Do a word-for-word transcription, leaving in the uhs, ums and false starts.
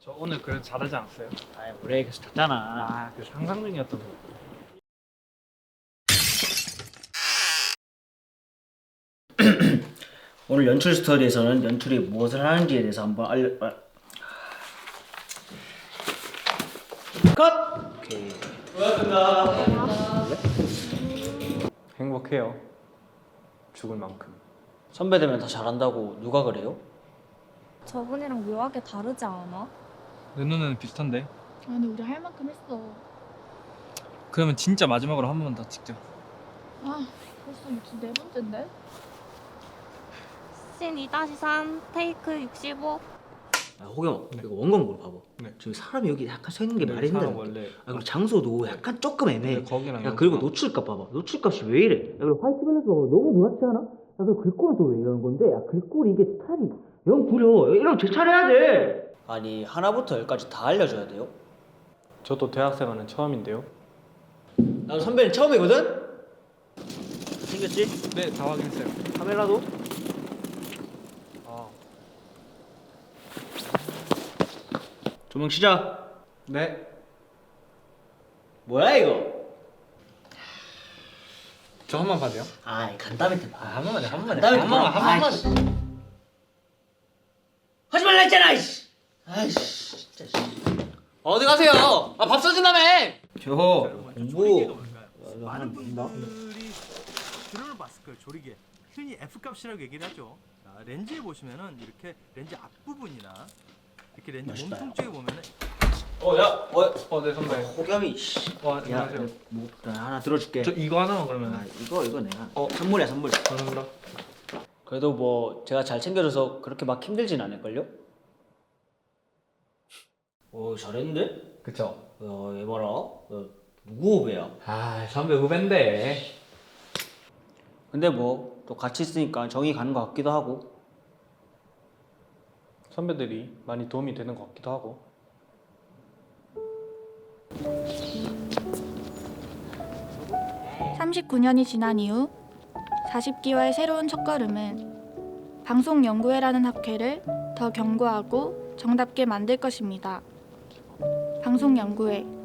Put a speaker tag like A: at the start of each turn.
A: 저 오늘 그래도 잘하지 않았어요?
B: 아이 원래 계속 탔잖아.
A: 아, 그 상상 중이었던 거.
B: 오늘 연출 스터디에서는 연출이 무엇을 하는지에 대해서 한번 알려. 아. 컷. 오케이.
A: 행복해요. 죽을 만큼.
B: 선배들면 다 잘한다고 누가 그래요?
C: 저분이랑 묘하게 다르지 않아?
A: 내 눈에는 비슷한데?
D: 아 근데 우리 할 만큼 했어.
A: 그러면 진짜 마지막으로 한 번만 더 찍자.
D: 아 벌써 육십 네 번째인데?
C: 씬 이 삼 테이크 육십오.
B: 아, 호겸
A: 네.
B: 이거 원건 걸 봐봐.
A: 네.
B: 지금 사람이 여기 약간 서 있는 게 말이
A: 사람
B: 된다.
A: 원래
B: 아 그리고 장소도 약간 조금 애매해.
A: 근데 거기랑
B: 야 그리고
A: 여기랑-
B: 노출값 봐봐. 노출값이 왜 이래? 야 그리고 화이트 밸런스 봐봐. 너무 누렇지 않아? 야 그리고 글꼴은 또 왜 이러는 건데? 야 글꼴이 이게 스타일이 영 구려. 이러면 재촬해야 돼. 아니 하나부터 열까지 다 알려줘야 돼요?
A: 저도 대학생활은 처음인데요.
B: 나도 선배는 처음이거든? 생겼지?
A: 네, 다 확인했어요.
B: 카메라도?
A: 아,
B: 조명 시작.
A: 네.
B: 뭐야 이거?
A: 저 한 번 봐도요?
B: 아이 간담회 봐.
A: 한 번만 해, 한 번만 해.
B: 간담회
A: 한 번만,
B: 봐.
A: 한 번만.
B: 아이씨. 하지 말라 했잖아 이씨. 아이씨 진짜 씨.
E: 어디 가세요? 아, 밥 사준다며!
B: 저 공부 이거 하나 된다?
F: 분들이 드론을 봤을 거예요. 조리개. 흔히 F값이라고 얘기를 하죠. 자, 렌즈에 보시면은 이렇게 렌즈 앞부분이나 이렇게 렌즈
B: 멋있다,
F: 몸통 쪽에 보면은
B: 어 야, 어,
A: 어, 네, 선배.
B: 호겸이 씨.
A: 와,
B: 야,
A: 안녕하세요.
B: 뭐 나 하나 들어줄게.
A: 저 이거 하나만
B: 아
A: 그러면.
B: 이거 이거 내가.
A: 어.
B: 선물이야 선물.
A: 감사합니다.
B: 그래도 뭐 제가 잘 챙겨줘서 그렇게 막 힘들진 않을걸요? 오 잘했는데?
E: 그쵸?
B: 야얘 봐라. 야, 누구 후배야?
E: 아, 선배 후배인데.
B: 근데 뭐 또 같이 있으니까 정이 가는 것 같기도 하고.
A: 선배들이 많이 도움이 되는 것 같기도 하고.
D: 삼십구 년이 지난 이후 사십 기와의 새로운 첫걸음은 방송연구회라는 학회를 더 견고하고 정답게 만들 것입니다. 방송연구회